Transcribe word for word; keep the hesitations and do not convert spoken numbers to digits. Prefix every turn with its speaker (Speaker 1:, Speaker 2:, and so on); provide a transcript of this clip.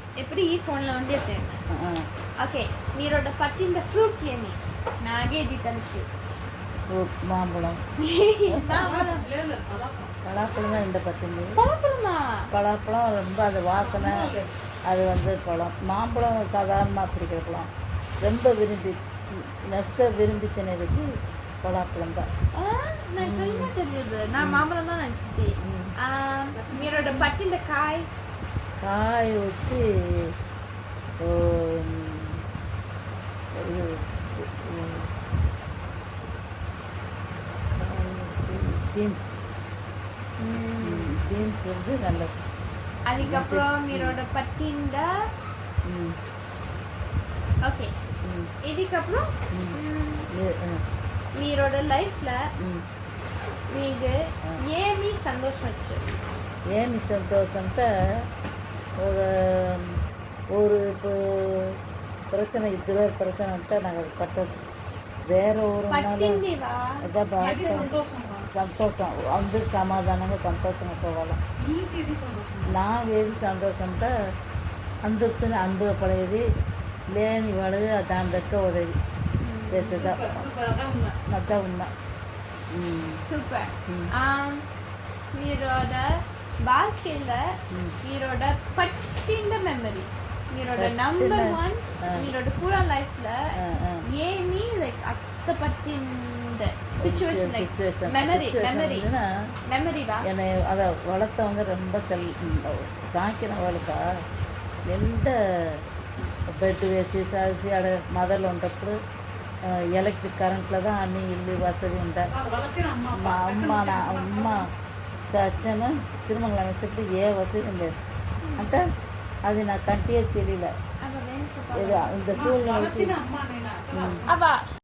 Speaker 1: ఎప్పుడు ఈ ఫోన్లో ఉండే ఓకే మీరు పట్టిన ఫ్రూట్ ఏమి నాగేది తెలుసు
Speaker 2: ఫ్రూట్ மாம்பழம் பலாப்பழம் தான் இந்த பத்துங்க
Speaker 1: பலாப்பழமா
Speaker 2: பலாப்பழம் ரொம்ப அது வாசனை அது வந்து பழம் மாம்பழம் சாதாரணமாக பிடிக்கிற பழம் ரொம்ப விரும்பி நெச விரும்பி தினது பலாப்பழம் தான்
Speaker 1: నాకు తెలియదు నా మామూలు నచ్చింది మీరు పట్టిన కాయ
Speaker 2: కాయ వచ్చి பீன்ஸ் பீன்ஸ் வந்து நல்லது
Speaker 1: அதுக்கப்புறம் மீரோட பட்டிந்த ஓகே இதுக்கப்புறம் మీరోడ లైఫ్లో మీకు ఏమి సంతోషం వచ్చేది
Speaker 2: ఏమి సంతోషం అంటే ఒక ஒரு இப்போ பிரச்சனை இதில் பிரச்சனை అంటే నాకు అది పట్టదు వేరే ఊరు సంతోషం అందరు సమాధానంగా సంతోషంగా పోవాలి నాకు ఏది సంతోషం అంటే అందరితో అనుభవపడేది లేని వాడు దాని దగ్గర ఉదవి చేసేదా అదా ఉన్నా
Speaker 1: సూపర్ మీరోட வாழ்க்கையில் మీరోட పట్టిన మెమరీ మీరోட నంబర్ వన్ మీరోட పూరా లైఫ్లో ఏమి లైక్ అత్త పట్టింద సిచ్యువేషన్ லைக் மெமரி மெமரி மெமரிடா
Speaker 2: என்னை அதை வளர்த்தவங்க ரொம்ப செல் సాకినవాళ్ళుగా నిండా బెడ్ వేసి సాసి ఆడ మదర్లు ఉన్నప్పుడు ఎలక్ట్రిక్ కరెంట్లో தான் అన్ని ఇల్లు వసதி ఉంటాయి మా అమ్మ నా అమ్మ సత్యను తిరుమల వచ్చేప్పుడు ఏ వసதி లేదు అంటే అది నా కంటియే తెలియలే
Speaker 1: అబ్బా